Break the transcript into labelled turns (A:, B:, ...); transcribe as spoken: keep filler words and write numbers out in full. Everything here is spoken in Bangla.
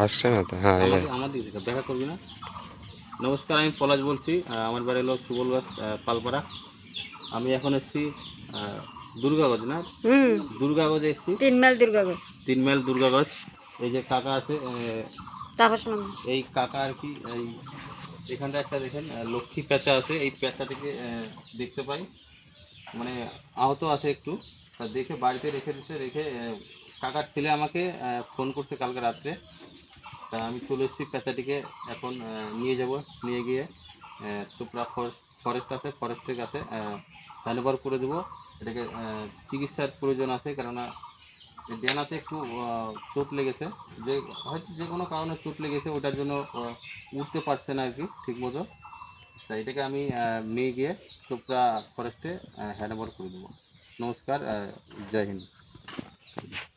A: আসছে না তো। হ্যাঁ,
B: আমার আমার দিক থেকে দেখা করবি না। নমস্কার, আমি পলাশ বলছি। আমার বাড়ি হলো সুবলগাছ, পালপাড়া। আমি এখন এসেছি দুর্গাগঞ্জ, না
C: হুম
B: দুর্গাগঞ্জে এসেছি,
C: তিন মাইল দুর্গাগঞ্জ।
B: তিন মাইল দুর্গাগঞ্জ। এই যে কাকা আছে,
C: তাপস মামা।
B: এই কাকা আর কি, এই এখানটা একটা দেখেন লক্ষ্মী পেঁচা আছে। এই পেঁচাটিকে দেখতে পাই, মানে আহত আছে একটু, তা দেখে বাড়িতে রেখে দিচ্ছে। রেখে কাকার ছেলে আমাকে ফোন করছে কালকে রাত্রে। তা আমি চলে এসেছি পেঁচাটিকে এখন নিয়ে যাব। নিয়ে গিয়ে চোপড়া ফরেস্ট ফরেস্ট আছে, ফরেস্টের কাছে হ্যান্ডওভার করে দেবো। এটাকে চিকিৎসার প্রয়োজন আছে, কেননা ডেনাতে একটু চোট লেগেছে, যে হয়তো যে কোনো কারণে চোট লেগেছে, ওটার জন্য উঠতে পারছে না আর কি ঠিক মতো। তাই এটাকে আমি নিয়ে গিয়ে চোপড়া ফরেস্টে হ্যান্ডওভার করে দেবো। নমস্কার, জয় হিন্দ।